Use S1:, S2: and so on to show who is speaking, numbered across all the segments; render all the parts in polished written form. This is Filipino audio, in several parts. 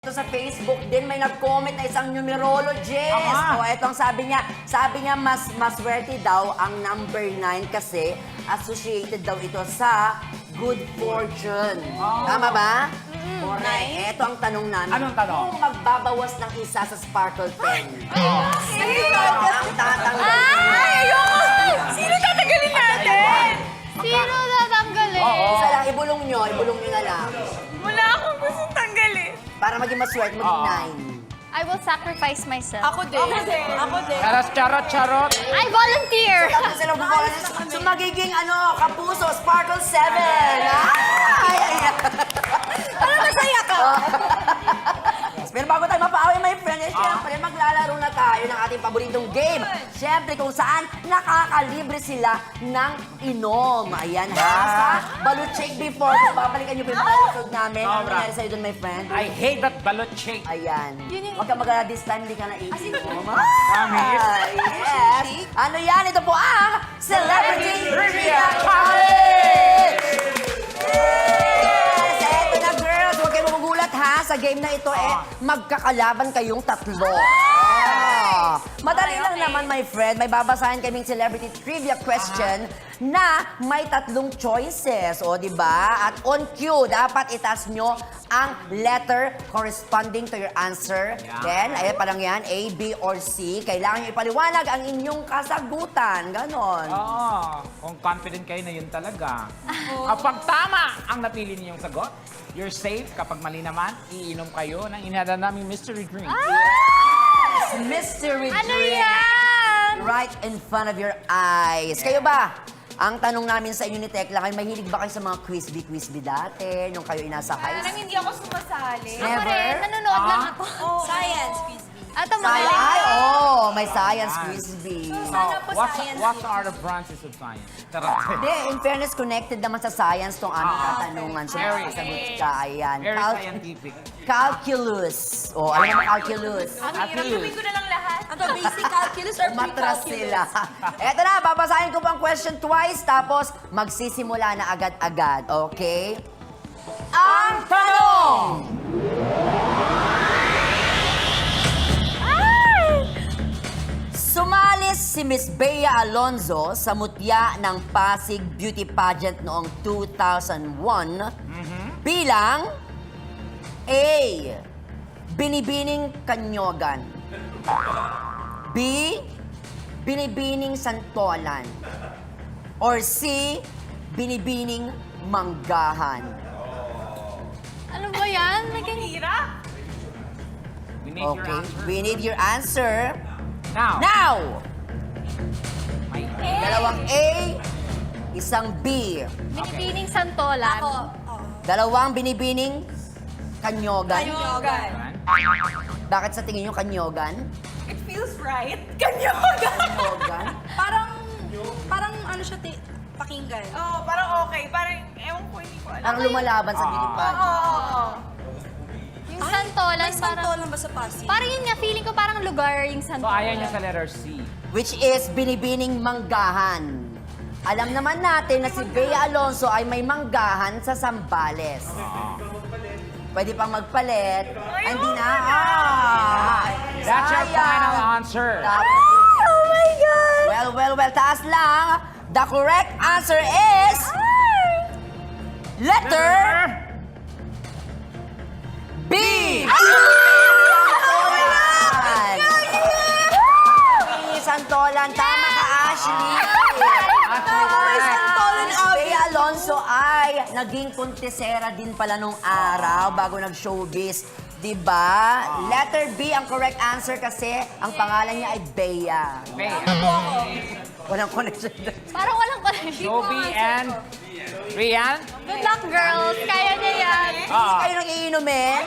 S1: Ito sa Facebook din, may nag-comment na isang numerologist. O, etong sabi niya mas maswerte daw ang number 9 kasi associated daw ito sa good fortune. Tama ba? Correct. Ito ang tanong namin.
S2: Anong tanong?
S1: Kung magbabawas ng isa sa sparkle pen.
S3: Sino?
S1: Ang tatanggal.
S3: Ay, ayoko! Sino tatanggalin natin?
S4: Sino tatanggalin?
S1: Isa lang, ibulong nyo na lang.
S3: Wala akong gustong tanggalin.
S1: Para maging maswerte, maging 9.
S4: I will sacrifice myself.
S3: Ako din. Ako din.
S2: Charot.
S4: I volunteer!
S1: Tapos sila bubukalan. So, magiging kapuso, Sparkle 7. Ay.
S3: Parang masaya ka.
S1: Pero bago tayo mapaaway, my friend, syempre maglalaro na tayo ng ating paboritong game. Syempre kung saan nakakalibre sila ng inom. Ayan ha, sa Balut Shake before. Kung babalikan nyo pa yung mga episode namin, ano
S2: Sobra.
S1: nangyari sa'yo doon, my friend?
S2: I hate that balut shake.
S1: Ayan.
S4: Yun yung-
S1: Huwag ka mag this time, hindi ka na iinom.
S2: Promise.
S1: Yes. Ano yan? Ito po ang Celebrity Trivia
S2: Challenge!
S1: Challenge! Yes! Eto na, girls. Huwag kayong magugulat ha. Sa game na ito, magkakalaban kayong tatlo. Madali lang naman, my friend. May babasahin kaming celebrity trivia question na may tatlong choices. O, di ba? At on cue, dapat itas nyo ang letter corresponding to your answer.
S2: Yeah.
S1: Then, ayan parang yan, A, B, or C. Kailangan nyo ipaliwanag ang inyong kasagutan. Ganon.
S2: Kung confident kayo na yun talaga. Kapag tama ang napili niyong sagot, you're safe. Kapag mali naman, iinom kayo ng inihanda naming mystery drink.
S1: Mystery
S4: Ano
S1: drink.
S4: yan?
S1: Right in front of your eyes. Kayo ba? Ang tanong namin sa inyo ni Tekla, kayo mahilig ba kayo sa mga quiz-bee dati? Nung kayo inasa high
S3: Parang
S1: school?
S3: hindi ako sumasali.
S4: Ako
S1: Never?
S4: rin, nanonood lang ako.
S3: Science, quiz bee.
S4: Ito,
S1: Ay,
S4: magaling.
S1: may science quiz-bee.
S3: Sana po science.
S2: What are the branches of science?
S1: Hindi, in fairness, connected naman sa science tong aming katanungan. So,
S2: Very.
S1: makasagot ka. Ayan.
S2: Very scientific.
S1: Calculus. O, alam mo calculus?
S3: Ang hirap, gawin ko na lang lahat. Ano, basic calculus or
S1: Matras
S3: pre-calculus?
S1: sila. Eto na, babasahin ko pang question twice, tapos magsisimula na agad-agad. Okay? Ang tanong! Sumalis si Miss Bea Alonzo sa mutya ng Pasig Beauty Pageant noong 2001 bilang A. Binibining Kanyogan, B. Binibining Santolan, or C. Binibining Manggahan.
S4: Ano ba yan?
S3: Hirap.
S2: We need your
S1: Okay,
S2: answer.
S1: we need your answer
S2: Now.
S1: now.
S2: May
S1: Dalawang A, isang B.
S4: Binibining santolan.
S1: Dalawang binibining Kanyogan.
S3: Kanyogan.
S1: Bakit sa tingin nyo Kanyogan?
S3: It feels right. Kanyogan.
S1: Kanyogan?
S5: Parang ano siya, pakinggan.
S3: Oo, parang okay. Parang, ewan ko, hindi ko alam.
S1: Ang lumalaban sa beauty pageant.
S3: Oo.
S4: Yung santolan,
S5: May
S4: parang...
S5: santolan ba sa Pasig?
S4: Parang yun nga, feeling ko parang lugar yung
S2: So,
S4: santolan.
S2: ayaw niya sa letter C.
S1: Which is binibining Manggahan. Alam naman natin na si Bea Alonzo ay may manggahan sa Zambales. Pwede pang magpalit. Ay, hindi na.
S2: That's your
S1: Sayang.
S2: final answer.
S1: Oh my God! Well, taas lang. The correct answer is... Letter B! Santolan. Tama ka, Ashley. Bea Alonzo ay naging kontesera din pala nung araw bago nag-showbiz. Diba? Letter B ang correct answer kasi ang pangalan niya ay Bea. Walang connection.
S4: Parang walang connection.
S2: Joby and Rian.
S4: Good luck, girls. Kaya niya yan.
S1: Hindi kayo nang iinumin?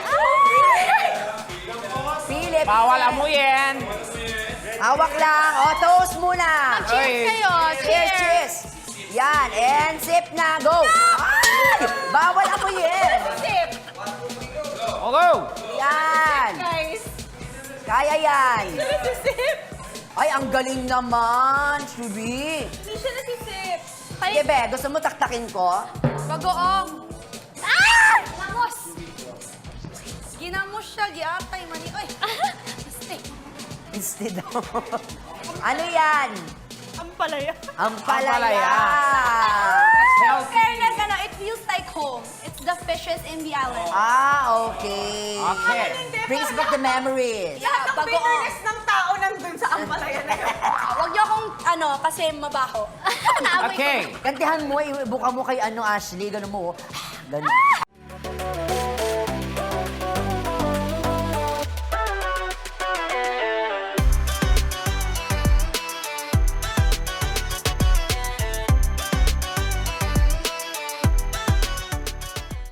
S1: Philip.
S2: Bawal amuyin.
S1: Hawak lang. O, toast muna.
S4: Cheers
S2: Oy.
S4: kayo.
S1: Cheers, cheers. Yan, and sip na. Go. Ay! Bawal amuyin.
S3: Sip.
S2: Hello.
S1: Yan.
S3: Guys.
S1: Kaya yan.
S3: Sip.
S1: Ay, ang galing naman, Shubi.
S3: Hindi siya nasisip.
S1: Sige, Be, gusto mo taktakin ko?
S4: Bagoong. Ah! Lamos!
S5: Ginamos siya, giatay, mani. Ay, mistake.
S1: Instead ano yan?
S5: Ang palaya.
S1: Ang
S2: palaya.
S1: palaya.
S2: Healthy.
S5: Fairness, it feels like home. It's the fishes in the island.
S1: Ah, okay.
S2: Okay.
S1: Brings back the memories.
S5: Yeah,
S3: Ang
S5: bagoong.
S3: bitterness ng tao nandun sa ampalaya na yun.
S5: Huwag niyo akong, kasi mabaho.
S2: Okay.
S1: Kantihan mo, ibuka mo kay Ashley, gano'n mo. Gano'n.